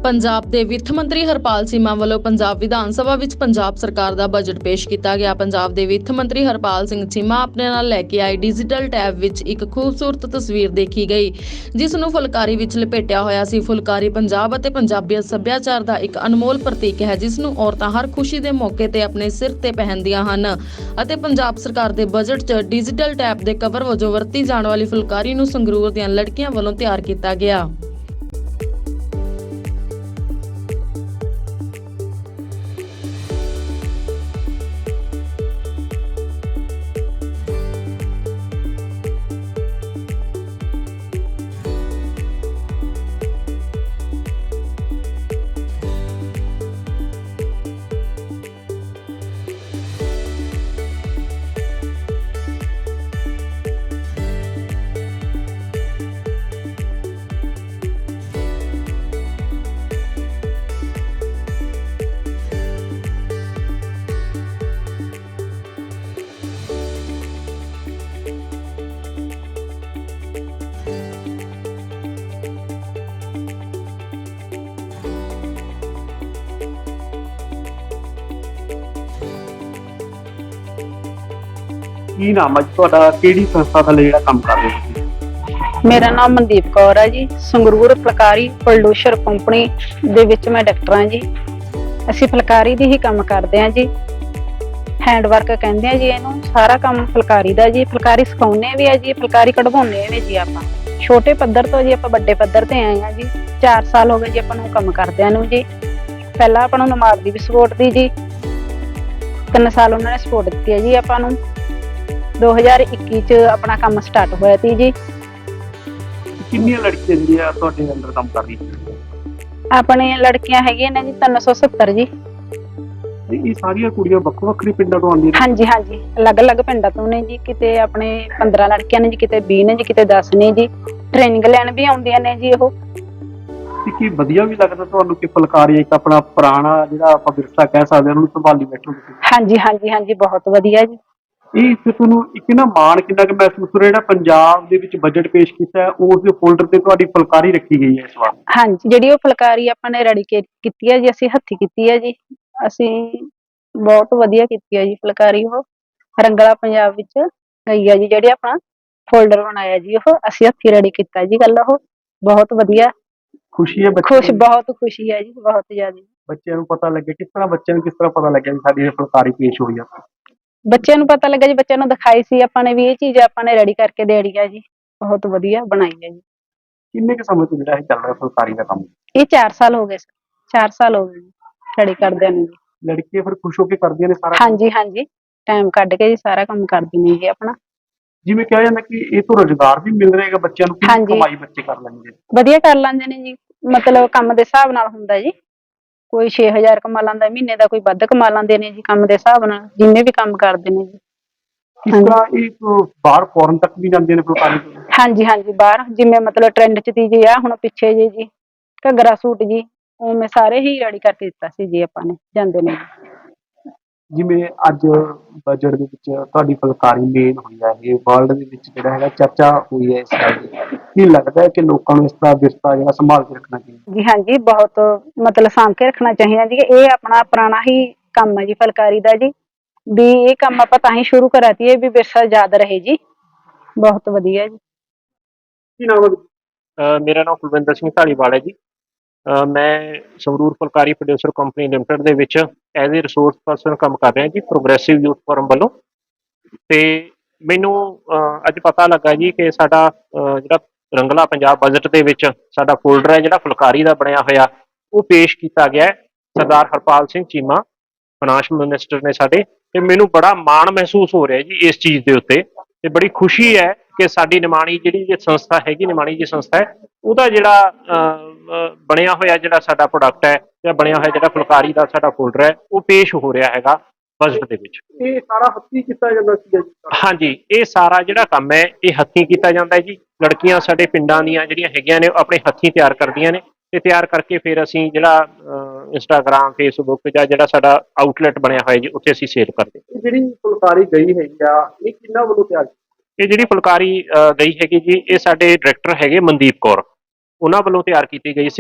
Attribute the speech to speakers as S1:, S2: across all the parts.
S1: ਪੰਜਾਬ ਦੇ ਵਿੱਤ ਮੰਤਰੀ ਹਰਪਾਲ ਚੀਮਾ ਵੱਲੋਂ ਪੰਜਾਬ ਵਿਧਾਨ ਸਭਾ ਵਿੱਚ ਪੰਜਾਬ ਸਰਕਾਰ ਦਾ ਬਜਟ ਪੇਸ਼ ਕੀਤਾ ਗਿਆ। ਪੰਜਾਬ ਦੇ ਵਿੱਤ ਮੰਤਰੀ ਹਰਪਾਲ ਸਿੰਘ ਚੀਮਾ ਆਪਣੇ ਨਾਲ ਲੈ ਕੇ ਆਏ ਡਿਜੀਟਲ ਟੈਬ ਵਿੱਚ ਇੱਕ ਖੂਬਸੂਰਤ ਤਸਵੀਰ ਦੇਖੀ ਗਈ, ਜਿਸ ਨੂੰ ਫੁਲਕਾਰੀ ਵਿੱਚ ਲਪੇਟਿਆ ਹੋਇਆ ਸੀ। ਫੁਲਕਾਰੀ ਪੰਜਾਬ ਅਤੇ ਪੰਜਾਬੀ ਸੱਭਿਆਚਾਰ ਦਾ ਇੱਕ ਅਨਮੋਲ ਪ੍ਰਤੀਕ ਹੈ, ਜਿਸ ਨੂੰ ਔਰਤਾਂ ਹਰ ਖੁਸ਼ੀ ਦੇ ਮੌਕੇ ਤੇ ਆਪਣੇ ਸਿਰ ਤੇ ਪਹਿਨਦੀਆਂ ਹਨ ਅਤੇ ਪੰਜਾਬ ਸਰਕਾਰ ਦੇ ਬਜਟ 'ਚ ਡਿਜੀਟਲ ਟੈਬ ਦੇ ਕਵਰ ਵਜੋਂ ਵਰਤੀ ਜਾਣ ਵਾਲੀ ਫੁਲਕਾਰੀ ਨੂੰ ਸੰਗਰੂਰ ਦੀਆਂ ਲੜਕੀਆਂ ਵੱਲੋਂ ਤਿਆਰ ਕੀਤਾ ਗਿਆ।
S2: ਕੀ ਨਾਮ ਹੈ ਤੁਹਾਡਾ? ਕਿਹੜੀ ਸੰਸਥਾ ਦਾ ਜਿਹੜਾ ਕੰਮ ਕਰ ਰਹੇ ਹੋ?
S3: ਮੇਰਾ ਨਾਮ ਮਨਦੀਪ ਕੌਰ ਹੈ ਜੀ। ਸੰਗਰੂਰ ਫੁਲਕਾਰੀ ਪ੍ਰੋਡਿਊਸਰ ਕੰਪਨੀ ਦੇ ਵਿੱਚ ਮੈਂ ਡਾਇਰੈਕਟਰ ਹਾਂ ਜੀ। ਅਸੀਂ ਫੁਲਕਾਰੀ ਦੀ ਹੀ ਕੰਮ ਕਰਦੇ ਹਾਂ ਜੀ। ਹੈਂਡ ਵਰਕ ਕਹਿੰਦੇ ਆ ਜੀ ਇਹਨੂੰ। ਸਾਰਾ ਕੰਮ ਫੁਲਕਾਰੀ ਦਾ ਜੀ। ਫੁਲਕਾਰੀ ਸਿਖਾਉਂਦੇ ਵੀ ਆ ਜੀ, ਫੁਲਕਾਰੀ ਕਢਵਾਉਂਦੇ ਵੀ ਜੀ। ਆਪਾਂ ਛੋਟੇ ਪੱਧਰ ਤੋਂ ਜੀ ਆਪਾਂ ਵੱਡੇ ਪੱਧਰ ਤੇ ਆਏ ਹਾਂ ਜੀ। 4 ਸਾਲ ਹੋ ਗਏ ਜੀ ਆਪਾਂ ਨੂੰ ਕੰਮ ਕਰਦਿਆਂ ਨੂੰ ਜੀ। ਪਹਿਲਾਂ ਆਪਾਂ ਨੂੰ ਨਮਾਜ਼ ਦੀ ਵੀ ਸਪੋਰਟ ਦੀ ਜੀ। 3 ਸਾਲ ਉਹਨਾਂ ਨੇ ਸਪੋਰਟ ਦਿੱਤੀ ਹੈ ਜੀ ਆਪਾਂ ਨੂੰ। 2021 ਚ ਆਪਣਾ ਕੰਮ ਸਟਾਰਟ ਹੋਇਆ ਸੀ ਜੀ।
S2: ਕਿੰਨੀਆਂ ਲੜਕੀਆਂ ਜਿਹੜੀਆਂ ਤੁਹਾਡੇ ਅੰਦਰ ਕੰਮ ਕਰ ਰਹੀਆਂ?
S3: ਆਪਣੇ ਲੜਕੀਆਂ ਹੈਗੀਆਂ ਨੇ ਜੀ 370 ਜੀ।
S2: ਇਹ ਸਾਰੀਆਂ ਕੁੜੀਆਂ ਵੱਖੋ ਵੱਖਰੇ ਪਿੰਡਾਂ ਤੋਂ ਆਉਂਦੀਆਂ ਨੇ?
S3: ਹਾਂਜੀ ਹਾਂਜੀ, ਅਲੱਗ-ਅਲੱਗ ਪਿੰਡਾਂ ਤੋਂ ਨੇ ਜੀ। ਕਿਤੇ ਆਪਣੇ 15 ਲੜਕੀਆਂ ਨੇ ਜੀ, ਕਿਤੇ 20 ਨੇ ਜੀ, ਕਿਤੇ 10 ਨੇ ਜੀ। ਟ੍ਰੇਨਿੰਗ ਲੈਣ ਵੀ ਆਉਂਦੀਆਂ ਨੇ ਜੀ ਉਹ।
S2: ਕੀ ਵਧੀਆ ਵੀ ਲੱਗਦਾ ਤੁਹਾਨੂੰ ਕਿ ਫੁਲਕਾਰੀ ਇੱਕ ਆਪਣਾ ਪੁਰਾਣਾ ਜਿਹੜਾ ਆਪਾਂ ਵਿਰਸਾ ਕਹਿ ਸਕਦੇ ਹਾਂ ਉਹਨੂੰ ਸੰਭਾਲੀ ਬੈਠੋ ਤੁਸੀਂ?
S3: ਹਾਂਜੀ ਹਾਂਜੀ ਹਾਂਜੀ, ਬਹੁਤ ਵਧੀਆ ਜੀ।
S2: ਇਹ ਤੁਹਾਨੂੰ ਇੱਕ ਨਾ ਮਾਣ ਕਿੰਨਾ ਕੁ ਮਹਿਸੂਸ ਹੋ ਰਿਹਾ ਜਿਹੜਾ ਪੰਜਾਬ ਦੇ ਵਿੱਚ ਬਜਟ ਪੇਸ਼ ਕੀਤਾ ਹੈ ਉਸ ਦੇ ਫੋਲਡਰ ਤੇ ਤੁਹਾਡੀ ਫੁਲਕਾਰੀ ਰੱਖੀ ਗਈ ਹੈ ਇਸ ਵਾਰ?
S3: ਹਾਂਜੀ, ਜਿਹੜੀ ਉਹ ਫੁਲਕਾਰੀ ਆਪਾਂ ਨੇ ਰੈਡੀ ਕੀਤੀ ਹੈ ਜੀ, ਅਸੀਂ ਹੱਥੀਂ ਕੀਤੀ ਹੈ ਜੀ। ਅਸੀਂ ਬਹੁਤ ਵਧੀਆ ਕੀਤੀ ਹੈ ਜੀ ਫੁਲਕਾਰੀ। ਉਹ ਰੰਗਲਾ ਪੰਜਾਬ ਵਿੱਚ ਗਈ ਹੈ ਜੀ। ਜਿਹੜੇ ਆਪਣਾ ਫੋਲਡਰ ਬਣਾਇਆ ਜੀ ਉਹ ਅਸੀਂ ਹੱਥੀਂ ਰੈਡੀ ਕੀਤਾ ਜੀ। ਗੱਲ ਉਹ ਬਹੁਤ ਵਧੀਆ।
S2: ਖੁਸ਼ੀ ਹੈ?
S3: ਬਹੁਤ ਖੁਸ਼ੀ ਹੈ ਜੀ, ਬਹੁਤ ਜ਼ਿਆਦਾ।
S2: ਬੱਚਿਆਂ ਨੂੰ ਪਤਾ ਲੱਗੇ ਕਿਸ ਤਰ੍ਹਾਂ? ਬੱਚਿਆਂ ਨੂੰ ਕਿਸ ਤਰ੍ਹਾਂ ਪਤਾ ਲੱਗਿਆ ਵੀ ਸਾਡੀ ਫੁਲਕਾਰੀ ਪੇਸ਼ ਹੋਈ ਆ?
S3: ਬੱਚਿਆਂ ਨੂੰ ਪਤਾ ਲੱਗਾ ਜੀ। ਬੱਚਿਆਂ ਨੂੰ ਦਿਖਾਈ ਸੀ ਆਪਾਂ ਨੇ ਵੀ ਇਹ ਚੀਜ਼ ਆਪਾਂ ਨੇ ਰੈਡੀ ਕਰਕੇ ਦੇਣੀ ਹੈ ਜੀ। ਬਹੁਤ ਵਧੀਆ ਬਣਾਈ ਹੈ ਜੀ।
S2: ਕਿੰਨੇ ਕੁ ਸਮੇਂ ਤੋਂ ਜਿਹੜਾ ਇਹ ਚੱਲ ਰਿਹਾ ਫੁਲਕਾਰੀ ਦਾ ਕੰਮ?
S3: ਇਹ 4 ਸਾਲ ਹੋ ਗਏ। 4 ਸਾਲ ਹੋ ਗਏ ਜੀ ਰੈਡੀ ਕਰਦਿਆਂ ਨੂੰ ਜੀ।
S2: ਲੜਕੀਆਂ ਫਿਰ ਖੁਸ਼ ਹੋ ਕੇ ਕਰਦੀਆਂ ਨੇ ਸਾਰਾ?
S3: ਹਾਂਜੀ ਹਾਂਜੀ, ਟਾਈਮ ਕੱਢ ਕੇ ਜੀ ਸਾਰਾ ਕੰਮ ਕਰਦੀ ਨੇ ਜੀ ਆਪਣਾ।
S2: ਜਿਵੇਂ ਕਿਹਾ ਜਾਂਦਾ ਕਿ ਇਹ ਤੋਂ ਰੁਜ਼ਗਾਰ ਵੀ ਮਿਲ ਰਿਹਾ ਹੈਗਾ ਬੱਚਿਆਂ ਨੂੰ? ਕਿੰਨੀ ਕਮਾਈ ਬੱਚੇ ਕਰ ਲੈਣਗੇ?
S3: ਵਧੀਆ ਕਰ ਲੈਂਦੇ ਨੇ ਜੀ। ਮਤਲਬ ਕੰਮ ਦੇ ਹਿਸਾਬ ਨਾਲ ਹੁੰਦਾ ਜੀ। ਕੋਈ 6000 ਕਮਾ ਲੈਂਦਾ ਮਹੀਨੇ ਦਾ, ਕੋਈ ਵੱਧ ਕਮਾ ਲੈਂਦੇ ਨੇ ਜੀ ਕੰਮ ਦੇ ਹਿਸਾਬ ਨਾਲ, ਜਿੰਨੇ ਵੀ ਕੰਮ ਕਰਦੇ ਨੇ ਜੀ।
S2: ਕਿਸ ਤਰ੍ਹਾਂ ਇਹ ਬਾਹਰ ਫੋਰਨ ਤੱਕ ਵੀ ਜਾਂਦੇ ਨੇ ਫੁਲਕਾਰੀ?
S3: ਹਾਂਜੀ ਹਾਂਜੀ, ਬਾਹਰ ਜਿਵੇਂ ਮਤਲਬ ਟ੍ਰੈਂਡ ਚ ਤੀ ਜੀ ਆ ਹੁਣ ਪਿੱਛੇ ਜੀ ਘੱਗਰਾ ਸੂਟ ਜੀ, ਉਵੇਂ ਸਾਰੇ ਹੀ ਰੈਡੀ ਕਰਕੇ ਦਿੱਤਾ ਸੀ ਜੀ ਆਪਾਂ ਨੇ। ਜਾਂਦੇ ਨੇ ਜੀ।
S2: ਜਿਵੇਂ ਅੱਜ ਬਜਟ ਦੇ ਵਿੱਚ ਤੁਹਾਡੀ ਫੁਲਕਾਰੀ ਮੇਨ ਹੋਈ ਹੈ, ਇਹ ਵਰਲਡ ਦੇ ਵਿੱਚ ਜਿਹੜਾ ਹੈਗਾ ਚਰਚਾ ਹੋਈ ਹੈ ਇਸ ਗੱਲ ਦੀ। ਕੀ ਲੱਗਦਾ ਹੈ ਕਿ ਲੋਕਾਂ ਨੂੰ ਇਸ ਦਾ ਵਿਰਸਾ ਜਿਹੜਾ ਸੰਭਾਲ ਕੇ ਰੱਖਣਾ ਚਾਹੀਦਾ?
S3: ਜੀ ਹਾਂਜੀ, ਬਹੁਤ ਮਤਲਬ ਸਾਂਭ ਕੇ ਰੱਖਣਾ ਚਾਹੀਦਾ ਜੀ। ਇਹ ਆਪਣਾ ਪੁਰਾਣਾ ਹੀ ਕੰਮ ਹੈ ਜੀ ਫੁਲਕਾਰੀ ਦਾ ਜੀ। ਵੀ ਇਹ ਕੰਮ ਆਪਾਂ ਤਾਂ ਹੀ ਸ਼ੁਰੂ ਕਰਿਆ ਸੀ ਵੀ ਵਿਰਸਾ ਯਾਦ ਰਹੇ ਜੀ। ਬਹੁਤ ਵਧੀਆ ਜੀ।
S2: ਕੀ ਨਾਮ ਹੈ?
S4: ਮੇਰਾ ਨਾਮ ਕੁਲਵਿੰਦਰ ਸਿੰਘ ਢਾਲੀਵਾਲ ਹੈ ਜੀ। ਮੈਂ Sangrur Phulkari producer company limited ਦੇ ਵਿੱਚ ਐਜ਼ ਏ ਰਿਸੋਰਸ ਪਰਸਨ ਕੰਮ ਕਰ ਰਿਹਾ ਜੀ, ਪ੍ਰੋਗਰੈਸਿਵ ਯੂਥ ਫੋਰਮ ਵੱਲੋਂ। ਅਤੇ ਮੈਨੂੰ ਅੱਜ ਪਤਾ ਲੱਗਾ ਜੀ ਕਿ ਸਾਡਾ ਜਿਹੜਾ ਰੰਗਲਾ ਪੰਜਾਬ ਬਜਟ ਦੇ ਵਿੱਚ ਸਾਡਾ ਫੋਲਡਰ ਹੈ ਜਿਹੜਾ ਫੁਲਕਾਰੀ ਦਾ ਬਣਿਆ ਹੋਇਆ, ਉਹ ਪੇਸ਼ ਕੀਤਾ ਗਿਆ ਹੈ ਸਰਦਾਰ ਹਰਪਾਲ ਸਿੰਘ ਚੀਮਾ, ਫਾਈਨਾਂਸ ਮਿਨਿਸਟਰ ਨੇ ਸਾਡੇ। ਅਤੇ ਮੈਨੂੰ ਬੜਾ ਮਾਣ ਮਹਿਸੂਸ ਹੋ ਰਿਹਾ ਜੀ ਇਸ ਚੀਜ਼ ਦੇ ਉੱਤੇ। ਅਤੇ ਬੜੀ ਖੁਸ਼ੀ ਹੈ ਕਿ ਸਾਡੀ ਨਿਮਾਣੀ ਜਿਹੜੀ ਸੰਸਥਾ ਹੈਗੀ, ਨਿਮਾਣੀ ਜੀ ਸੰਸਥਾ ਹੈ, ਉਹਦਾ ਜਿਹੜਾ ਬਣਿਆ ਹੋਇਆ ਜਿਹੜਾ ਸਾਡਾ ਪ੍ਰੋਡਕਟ ਹੈ ਜਾਂ ਬਣਿਆ ਹੋਇਆ ਜਿਹੜਾ ਫੁਲਕਾਰੀ ਦਾ ਸਾਡਾ ਫੋਲਡਰ ਹੈ, ਉਹ ਪੇਸ਼ ਹੋ ਰਿਹਾ ਹੈਗਾ ਬਜਟ ਦੇ ਵਿੱਚ।
S2: ਇਹ ਸਾਰਾ ਹੱਥੀਂ ਕੀਤਾ ਜਾਂਦਾ ਸੀ?
S4: ਹਾਂਜੀ, ਇਹ ਸਾਰਾ ਜਿਹੜਾ ਕੰਮ ਹੈ ਇਹ ਹੱਥੀਂ ਕੀਤਾ ਜਾਂਦਾ ਹੈ ਜੀ। ਲੜਕੀਆਂ ਸਾਡੇ ਪਿੰਡਾਂ ਦੀਆਂ ਜਿਹੜੀਆਂ ਹੈਗੀਆਂ ਨੇ ਆਪਣੇ ਹੱਥੀਂ ਤਿਆਰ ਕਰਦੀਆਂ ਨੇ, ਤੇ ਤਿਆਰ ਕਰਕੇ ਫਿਰ ਅਸੀਂ ਜਿਹੜਾ ਇੰਸਟਾਗ੍ਰਾਮ, ਫੇਸਬੁੱਕ ਜਾਂ ਜਿਹੜਾ ਸਾਡਾ ਆਊਟਲੈਟ ਬਣਿਆ ਹੋਇਆ ਜੀ ਉੱਥੇ ਅਸੀਂ ਸੇਲ ਕਰਦੇ।
S2: ਜਿਹੜੀ ਫੁਲਕਾਰੀ ਗਈ ਹੈਗੀ ਆ ਇਹ ਕਿਹਨਾਂ ਵੱਲੋਂ ਤਿਆਰ?
S4: ਇਹ ਜਿਹੜੀ ਫੁਲਕਾਰੀ ਗਈ ਹੈਗੀ ਜੀ, ਇਹ ਸਾਡੇ ਡਾਇਰੈਕਟਰ ਹੈਗੇ ਮਨਦੀਪ ਕੌਰ, ਉਹਨਾਂ ਵੱਲੋਂ ਤਿਆਰ ਕੀਤੀ ਗਈ ਸੀ।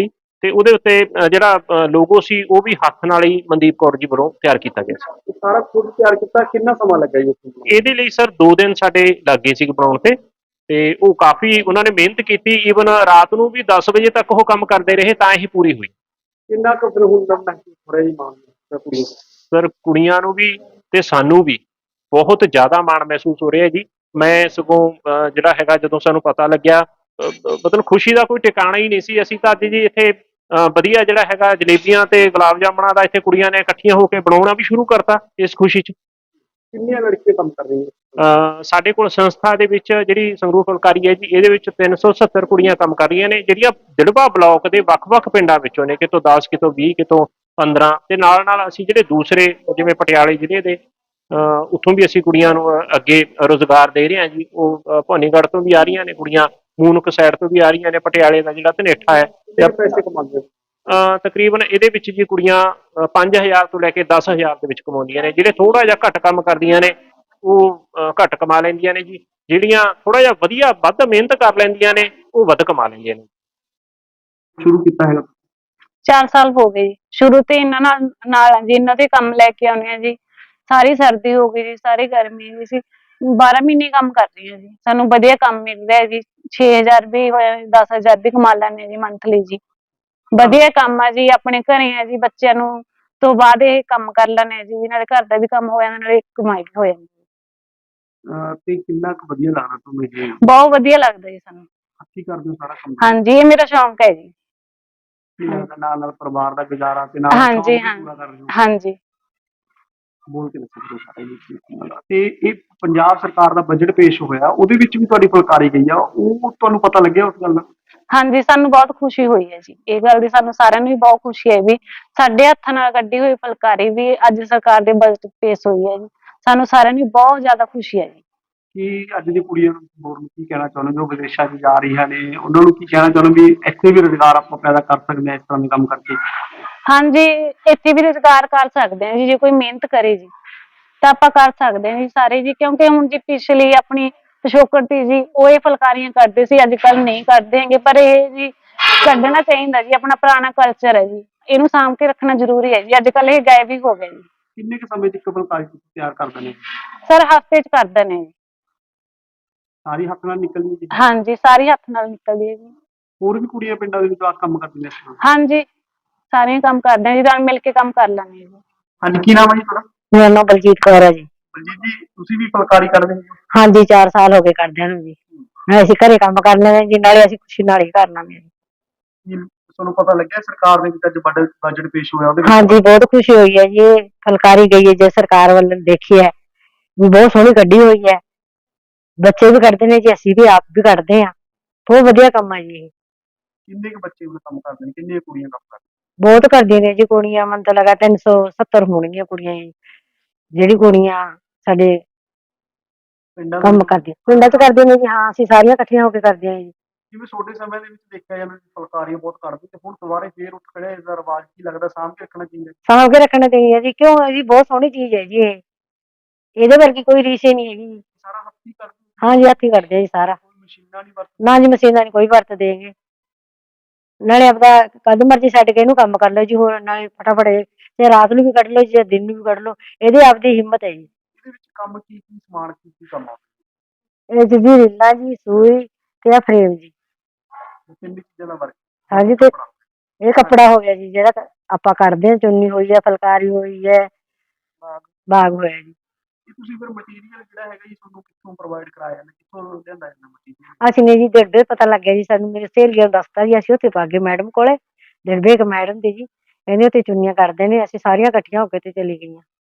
S4: ਤੇ ਉਹਦੇ ਉੱਤੇ ਜਿਹੜਾ ਲੋਗੋ ਸੀ ਉਹ ਵੀ ਹੱਥ ਨਾਲ ਹੀ ਮਨਦੀਪ ਕੌਰ ਜੀ ਵੱਲੋਂ ਤਿਆਰ ਕੀਤਾ ਗਿਆ ਸੀ।
S2: ਇਹ ਸਾਰਾ ਖੁਦ ਤਿਆਰ ਕੀਤਾ, ਕਿੰਨਾ ਸਮਾਂ ਲੱਗਾ ਜੀ ਇਸ ਨੂੰ ਬਣਾਉਣ
S4: ਇਹਦੇ ਲਈ ਸਰ 2 ਦਿਨ ਸਾਡੇ ਲੱਗ ਗਏ ਸੀ ਬਣਾਉਣ ਤੇ ਉਹ ਕਾਫੀ ਉਹਨਾਂ ਨੇ ਮਿਹਨਤ ਕੀਤੀ। ਈਵਨ ਰਾਤ ਨੂੰ ਵੀ 10 ਵਜੇ ਤੱਕ ਉਹ ਕੰਮ ਕਰਦੇ ਰਹੇ ਤਾਂ ਇਹ ਪੂਰੀ ਹੋਈ।
S2: ਕਿੰਨਾ ਕੁ ਫਿਰ ਹੁਣ ਦਾ ਮਹਿਸੂਸ ਹੋ ਰਿਹਾ ਜੀ ਮਾਣ ਕੁੜੀ
S4: ਸਰ ਕੁੜੀਆਂ ਨੂੰ ਵੀ ਤੇ ਸਾਨੂੰ ਵੀ ਬਹੁਤ ਜ਼ਿਆਦਾ ਮਾਣ ਮਹਿਸੂਸ ਹੋ ਰਿਹਾ ਜੀ। ਮੈਂ ਸਗੋਂ ਜਿਹੜਾ ਹੈਗਾ ਜਦੋਂ ਸਾਨੂੰ ਪਤਾ ਲੱਗਿਆ ਮਤਲਬ ਖੁਸ਼ੀ ਦਾ ਕੋਈ ਟਿਕਾਣਾ ਹੀ ਨਹੀਂ ਸੀ। ਅਸੀਂ ਤਾਂ ਅੱਜ ਜੀ ਇੱਥੇ ਵਧੀਆ ਜਿਹੜਾ ਹੈਗਾ ਜਲੇਬੀਆਂ ਤੇ ਗੁਲਾਬ ਜਾਮਣਾ ਦਾ ਇੱਥੇ ਕੁੜੀਆਂ ਨੇ ਇਕੱਠੀਆਂ ਹੋ ਕੇ ਬਣਾਉਣਾ ਵੀ ਸ਼ੁਰੂ ਕਰਤਾ ਇਸ ਖੁਸ਼ੀ 'ਚ।
S2: ਕਿੰਨੀਆਂ ਲੜਕੀਆਂ ਕੰਮ ਕਰ ਰਹੀਆਂ?
S4: ਸਾਡੇ ਕੋਲ ਸੰਸਥਾ ਦੇ ਵਿੱਚ ਜਿਹੜੀ ਸੰਗਰੂਰ ਫੁਲਕਾਰੀ ਹੈ ਜੀ, ਇਹਦੇ ਵਿੱਚ 370 ਕੁੜੀਆਂ ਕੰਮ ਕਰ ਰਹੀਆਂ ਨੇ, ਜਿਹੜੀਆਂ ਦਿੜਬਾ ਬਲਾਕ ਦੇ ਵੱਖ-ਵੱਖ ਪਿੰਡਾਂ ਵਿੱਚੋਂ ਨੇ, ਕਿਤੋਂ 10 ਕਿਤੋਂ 20 ਕਿਤੋਂ 15 ਤੇ ਨਾਲ ਅਸੀਂ ਜਿਹੜੇ ਦੂਸਰੇ ਜਿਵੇਂ ਪਟਿਆਲੇ ਜ਼ਿਲ੍ਹੇ ਦੇ ਉੱਥੋਂ ਵੀ ਅਸੀਂ ਕੁੜੀਆਂ ਨੂੰ ਅੱਗੇ ਰੁਜ਼ਗਾਰ ਦੇ ਰਹੇ ਹਾਂ ਜੀ। ਉਹ ਭਵਾਨੀਗੜ੍ਹ ਤੋਂ ਵੀ ਆ ਰਹੀਆਂ ਨੇ ਕੁੜੀਆਂ, ਮੂਨਕ ਸਾਈਡ ਤੋਂ ਵੀ ਆ ਰਹੀਆਂ ਨੇ, ਪਟਿਆਲੇ ਦਾ ਜਿਹੜਾ ਧਨੇਠਾ ਹੈ
S2: ਕਿੰਨੇ ਪੈਸੇ ਕਮਾਉਂਦੇ ਹੋ?
S4: ਤਕਰੀਬਨ ਇਹਦੇ ਵਿੱਚ ਜੀ ਕੁੜੀਆਂ 5000 ਤੋਂ ਲੈ ਕੇ 10000 ਦੇ ਵਿੱਚ ਕਮਾਉਂਦੀਆਂ ਨੇ। ਜਿਹੜੇ ਥੋੜਾ ਜਿਹਾ ਘੱਟ ਕੰਮ ਕਰਦੀਆਂ ਨੇ ਉਹ ਘੱਟ ਕਮਾ ਲੈਂਦੀਆਂ ਨੇ ਜੀ, ਜਿਹੜੀਆਂ ਥੋੜਾ ਜਿਹਾ ਵਧੀਆ ਵੱਧ ਮਿਹਨਤ ਕਰ ਲੈਂਦੀਆਂ ਨੇ ਉਹ ਵੱਧ ਕਮਾ ਲੈਂਦੀਆਂ ਨੇ।
S2: ਸ਼ੁਰੂ ਕੀਤਾ ਹੈਗਾ
S3: 4 ਸਾਲ ਹੋ ਗਏ ਜੀ। ਸ਼ੁਰੂ ਤੇ ਇਹਨਾਂ ਨਾਲ ਜੀ, ਇਹਨਾਂ ਦੇ ਕੰਮ ਲੈ ਕੇ ਆਉਂਦੇ ਆ ਜੀ। ਸਾਰੀ ਸਰਦੀ ਹੋ ਗਈ ਜੀ, ਸਾਰੀ ਗਰਮੀ ਹੋਈ ਸੀ। 12 ਮਹੀਨੇ ਕੰਮ ਕਰ ਰਹੀ ਹਾਂ ਜੀ, ਸਾਨੂੰ ਵਧੀਆ ਕੰਮ ਮਿਲ ਰਿਹਾ ਜੀ। 6000 ਵੀ ਹੋਇਆ, 10000 ਵੀ ਕਮਾ ਲੈਂਦੇ ਜੀ ਮੰਥਲੀ ਜੀ। ਵਧੀਆ ਕੰਮ ਆ ਜੀ, ਆਪਣੇ ਘਰੇ ਆ ਜੀ, ਬੱਚਿਆਂ ਨੂੰ ਤੋਂ ਬਾਅਦ ਇਹ ਕੰਮ ਕਰ ਲੈਂਦੇ ਆ ਜੀ। ਨਾਲੇ ਘਰ ਦਾ ਵੀ ਕੰਮ ਹੋ ਜਾਂਦਾ, ਨਾਲੇ ਕਮਾਈ ਵੀ ਹੋ ਜਾਂਦੀ।
S2: ਤੇ ਕਿੰਨਾ ਕੁ ਵਧੀਆ ਲੱਗਦਾ ਤੁਹਾਨੂੰ ਇਹ?
S3: ਬਹੁਤ ਵਧੀਆ ਲੱਗਦਾ ਜੀ ਸਾਨੂੰ।
S2: ਹੱਥੀਂ ਕਰਦੇ ਹੋ ਸਾਰਾ ਕੰਮ?
S3: ਹਾਂਜੀ, ਇਹ ਮੇਰਾ ਸ਼ੌਂਕ ਹੈ ਜੀ।
S2: ਕੀ ਲੱਗਦਾ ਨਾਲ ਪਰਿਵਾਰ ਦਾ ਗੁਜ਼ਾਰਾ ਤੇ ਨਾਲ
S3: ਹਾਂਜੀ,
S2: ਸ਼ੌਕ ਵੀ
S3: ਹਾਂ।
S2: ਪੂਰਾ ਕਰ ਰਹੇ ਹੋ?
S3: ਹਾਂਜੀ।
S2: ਬੋਲ ਕੇ ਦੱਸੋ ਜੀ ਸਾਰੇ ਜੀ। ਤੇ ਇਹ ਪੰਜਾਬ ਸਰਕਾਰ ਦਾ ਬਜਟ ਪੇਸ਼ ਹੋਇਆ, ਉਹਦੇ ਵਿੱਚ ਵੀ ਤੁਹਾਡੀ ਫੁਲਕਾਰੀ ਗਈ ਆ, ਉਹ ਤੁਹਾਨੂੰ ਪਤਾ ਲੱਗਿਆ ਉਸ ਗੱਲ ਦਾ?
S3: ਹਾਂਜੀ, ਸਾਨੂੰ ਬਹੁਤ ਖੁਸ਼ੀ ਹੋਈ ਹੈ ਜੀ। ਇਹ ਗੱਲ ਦੀ ਸਾਨੂੰ ਸਾਰਿਆਂ ਨੂੰ ਵੀ ਬਹੁਤ ਖੁਸ਼ੀ ਹੈ ਵੀ ਸਾਡੇ ਹੱਥਾਂ ਨਾਲ ਕੱਢੀ ਹੋਈ ਫੁਲਕਾਰੀ ਵੀ ਅੱਜ ਸਰਕਾਰ ਦੇ ਬਜਟ ਪੇਸ਼ ਹੋਈ ਹੈ ਜੀ। ਸਾਨੂੰ ਸਾਰਿਆਂ ਨੂੰ ਬਹੁਤ ਜ਼ਿਆਦਾ ਖੁਸ਼ੀ ਹੈ ਜੀ।
S2: ਕੀ ਅੱਜ ਦੀ ਕੁੜੀਆਂ ਨੂੰ ਹੋਰ ਨੂੰ ਕੀ ਕਹਿਣਾ ਚਾਹੁੰਦੇ ਜੋ ਵਿਦੇਸ਼ਾਂ 'ਚ ਜਾ ਰਹੀਆਂ ਨੇ, ਉਹਨਾਂ ਨੂੰ ਕੀ ਕਹਿਣਾ ਚਾਹੁੰਦੇ ਵੀ ਇੱਥੇ ਵੀ ਰੁਜ਼ਗਾਰ ਆਪਾਂ ਪੈਦਾ ਕਰ ਸਕਦੇ ਹਾਂ ਇਸ ਤਰ੍ਹਾਂ ਦੇ ਕੰਮ ਕਰਕੇ?
S3: ਹਾਂਜੀ, ਇੱਥੇ ਵੀ ਰੁਜ਼ਗਾਰ ਕਰ ਸਕਦੇ ਹਾਂ ਜੀ, ਜੇ ਕੋਈ ਮਿਹਨਤ ਕਰੇ ਜੀ ਤਾਂ ਆਪਾਂ ਕਰ ਸਕਦੇ ਹਾਂ ਜੀ ਸਾਰੇ ਜੀ। ਕਿਉਂਕਿ ਹੁਣ ਜੀ ਪਿਛਲੀ ਆਪਣੀ ਪਿਛੋਕੜ ਸੀ ਜੀ, ਉਹ ਇਹ ਫੁਲਕਾਰੀਆਂ ਕਰਦੇ ਸੀ, ਅੱਜ ਕੱਲ ਨਹੀਂ ਕਰਦੇ ਹੈਗੇ। ਪਰ ਇਹ ਜੀ ਕੱਢਣਾ ਚਾਹੀਦਾ ਜੀ, ਆਪਣਾ ਪੁਰਾਣਾ ਕਲਚਰ ਹੈ ਜੀ, ਇਹਨੂੰ ਸਾਂਭ ਕੇ ਰੱਖਣਾ ਜ਼ਰੂਰੀ ਹੈ ਜੀ। ਅੱਜ ਕੱਲ ਇਹ ਗਾਇਬ ਹੀ ਹੋ ਗਿਆ ਜੀ।
S2: ਕਿੰਨੇ ਕੁ ਸਮੇਂ 'ਚ ਇੱਕ ਫੁਲਕਾਰੀ ਤੁਸੀਂ ਤਿਆਰ ਕਰ ਦਿੰਦੇ ਹੋ?
S3: ਸਰ ਹਫ਼ਤੇ 'ਚ ਕਰ ਦਿੰਦੇ ਜੀ।
S2: ਸਾਰੀ ਹੱਥ ਨਾਲ ਨਿਕਲਦੀ ਜੀ?
S3: ਹਾਂਜੀ, ਸਾਰੀ ਹੱਥ ਨਾਲ ਨਿਕਲਦੀ ਹੈ ਜੀ।
S2: ਹੋਰ ਵੀ ਕੁੜੀਆਂ ਪਿੰਡਾਂ ਦੇ ਵਿੱਚ ਆਹ ਕੰਮ ਕਰਦੀਆਂ ਇਸ ਤਰ੍ਹਾਂ?
S3: ਹਾਂਜੀ, ਸਾਰੇ ਕੰਮ ਕਰਦੇ ਹਾਂ ਜੀ, ਰਲ ਮਿਲ ਕੇ ਕੰਮ ਕਰ ਲੈਂਦੇ ਹਾਂ ਜੀ।
S2: ਹਾਂਜੀ, ਕੀ ਨਾਮ ਹੈ ਜੀ ਤੁਹਾਡਾ?
S3: ਮੇਰਾ ਨਾਮ ਬਲਜੀਤ ਕੌਰ ਹੈ ਜੀ।
S2: ਬਲਜੀਤ ਜੀ, ਤੁਸੀਂ ਵੀ ਫੁਲਕਾਰੀ ਕਰਦੇ ਹੋ?
S3: ਹਾਂਜੀ, 4 ਸਾਲ ਹੋ ਗਏ ਕਰਦਿਆਂ ਨੂੰ ਜੀ। ਅਸੀਂ ਘਰੇ ਕੰਮ ਕਰ ਲੈਂਦੇ ਜੀ, ਨਾਲੇ ਅਸੀਂ ਖੁਸ਼ੀ ਨਾਲ ਹੀ ਕਰ ਲੈਂਦੇ ਜੀ।
S2: ਕੀ ਤੁਹਾਨੂੰ ਪਤਾ ਲੱਗਿਆ ਸਰਕਾਰ ਦੇ ਵਿੱਚ ਅੱਜ ਬਜਟ ਪੇਸ਼ ਹੋਇਆ ਉਹਦੇ ਵਿੱਚ?
S3: ਹਾਂਜੀ, ਬਹੁਤ ਖੁਸ਼ੀ ਹੋਈ ਹੈ ਜੀ। ਇਹ ਫੁਲਕਾਰੀ ਗਈ ਹੈ ਜੇ ਸਰਕਾਰ ਵੱਲੋਂ ਦੇਖੀ ਹੈ ਵੀ ਬਹੁਤ ਸੋਹਣੀ ਕੱਢੀ ਹੋਈ ਹੈ। ਬੱਚੇ ਵੀ ਕੱਢਦੇ ਨੇ ਜੀ, ਅਸੀਂ ਵੀ ਆਪ ਵੀ ਕੱਢਦੇ ਹਾਂ। ਬਹੁਤ ਵਧੀਆ ਕੰਮ ਹੈ ਜੀ ਇਹ।
S2: ਕਿੰਨੇ ਕੁ ਬੱਚੇ ਉਹ ਕੰਮ ਕਰਦੇ ਨੇ, ਕਿੰਨੀਆਂ ਕੁੜੀਆਂ ਕੰਮ ਕਰਦੀਆਂ?
S3: ਬਹੁਤ ਕਰਦੀਆਂ ਨੇ ਜੀ ਕੁੜੀਆਂ, ਮੈਨੂੰ ਤਾਂ ਲੱਗਾ 370 ਹੋਣਗੀਆਂ ਕੁੜੀਆਂ ਜੀ, ਜਿਹੜੀ ਕੁੜੀਆਂ ਸਾਡੇ
S2: ਪਿੰਡਾਂ ਦੇ
S3: ਕੰਮ
S2: ਵਿੱਚ?
S3: ਕਰਦੀਆਂ, ਪਿੰਡਾਂ 'ਚ ਕਰਦੀਆਂ ਨੇ ਜੀ। ਹਾਂ, ਅਸੀਂ ਸਾਰੀਆਂ ਇਕੱਠੀਆਂ ਹੋ ਕੇ ਕਰਦੀਆਂ ਜੀ।
S2: ਜਿਵੇਂ ਛੋਟੇ ਸਮੇਂ ਦੇ ਵਿੱਚ ਦੇਖਿਆ ਜਾਂਦਾ ਸੀ ਫੁਲਕਾਰੀਆਂ ਬਹੁਤ ਕਰਦੇ ਤੇ ਹੁਣ ਦੁਬਾਰਾ ਫੇਰ ਉੱਠ ਖੜਿਆ ਇਸ ਦਾ ਰਿਵਾਜ, ਕੀ ਲੱਗਦਾ ਸਾਂਭ ਕੇ ਰੱਖਣਾ ਚਾਹੀਦਾ?
S3: ਸਾਂਭ ਕੇ ਰੱਖਣਾ ਚਾਹੀਦਾ ਜੀ, ਕਿਉਂ ਹੈ ਜੀ, ਬਹੁਤ ਸੋਹਣੀ ਚੀਜ਼ ਹੈ ਜੀ ਇਹ। ਇਹਦੇ ਵਰਗੀ ਕੋਈ ਰੀਸ ਹੀ ਨਹੀਂ ਹੈਗੀ ਜੀ।
S2: ਸਾਰਾ ਹੱਥੀਂ ਕਰਦੇ?
S3: ਹਾਂਜੀ, ਹੱਥੀਂ ਕਰਦੇ ਆ ਜੀ ਸਾਰਾ।
S2: ਕੋਈ ਮਸ਼ੀਨਾਂ ਨਹੀਂ ਵਰਤਦੇ?
S3: ਨਾ ਜੀ, ਮਸ਼ੀਨਾਂ ਨੀ ਕੋਈ ਵਰਤਦੇ ਹੈਗੇ। ਨਾਲੇ ਆਪਦਾ ਕਦ ਮਰਜੀ ਛੱਡ ਕੇ ਇਹਨੂੰ ਕੰਮ ਕਰ ਲਓ ਜੀ, ਹੋਰ ਨਾਲੇ ਫਟਾਫਟ ਚਾਹੇ ਰਾਤ ਨੂੰ ਵੀ ਕੱਢ ਲਓ ਜੀ, ਦਿਨ ਨੂੰ ਵੀ ਕੱਢ ਲਓ, ਇਹਦੀ ਆਪਦੀ ਹਿੰਮਤ ਹੈ ਜੀ।
S2: ਇਹਦੇ ਵਿੱਚ ਕੰਮ ਕੀ ਕੀ ਸਮਾਨ ਕੀ ਕੀ ਕੰਮ ਆਉਂਦਾ?
S3: ਇਹ 'ਚ ਜੀ ਰੀਲਾਂ ਜੀ, ਸੂਈ ਤੇ ਫਰੇਮ ਜੀ।
S2: ਤਿੰਨ ਚੀਜ਼ਾਂ ਦਾ ਵਰਕ?
S3: ਹਾਂਜੀ, ਤੇ ਇਹ ਕੱਪੜਾ ਹੋ ਗਿਆ ਜੀ ਜਿਹੜਾ ਆਪਾਂ ਕੱਢਦੇ ਹਾਂ, ਚੁੰਨੀ ਹੋਈ ਹੈ, ਫੁਲਕਾਰੀ ਹੋਈ ਹੈ, ਬਾਗ ਹੋਇਆ ਜੀ।
S2: ਇਹ ਤੁਸੀਂ ਫਿਰ ਮਟੀਰੀਅਲ ਜਿਹੜਾ ਹੈਗਾ ਜੀ ਤੁਹਾਨੂੰ ਕਿੱਥੋਂ ਪ੍ਰੋਵਾਈਡ ਕਰਾਇਆ ਜਾਂਦਾ, ਕਿੱਥੋਂ ਲਿਆਂਦਾ ਜਾਂਦਾ ਮਟੀਰੀਅਲ?
S3: ਅਸੀਂ ਨੇ ਜੀ ਦਿੜਬੇ ਪਤਾ ਲੱਗਿਆ ਜੀ ਸਾਨੂੰ, ਮੇਰੇ ਸਹੇਲੀਆਂ ਨੂੰ ਦੱਸਤਾ ਜੀ, ਅਸੀਂ ਉੱਥੇ ਪਾ ਗਏ ਮੈਡਮ ਕੋਲੇ, ਦਿੜਬੇ ਇੱਕ ਮੈਡਮ ਦੀ ਜੀ, ਕਹਿੰਦੇ ਉੱਥੇ ਚੁੰਨੀਆਂ ਕਰਦੇ ਨੇ। ਅਸੀਂ ਸਾਰੀਆਂ ਇਕੱਠੀਆਂ ਹੋ ਕੇ ਤੇ ਚਲੀ ਗਈਆਂ।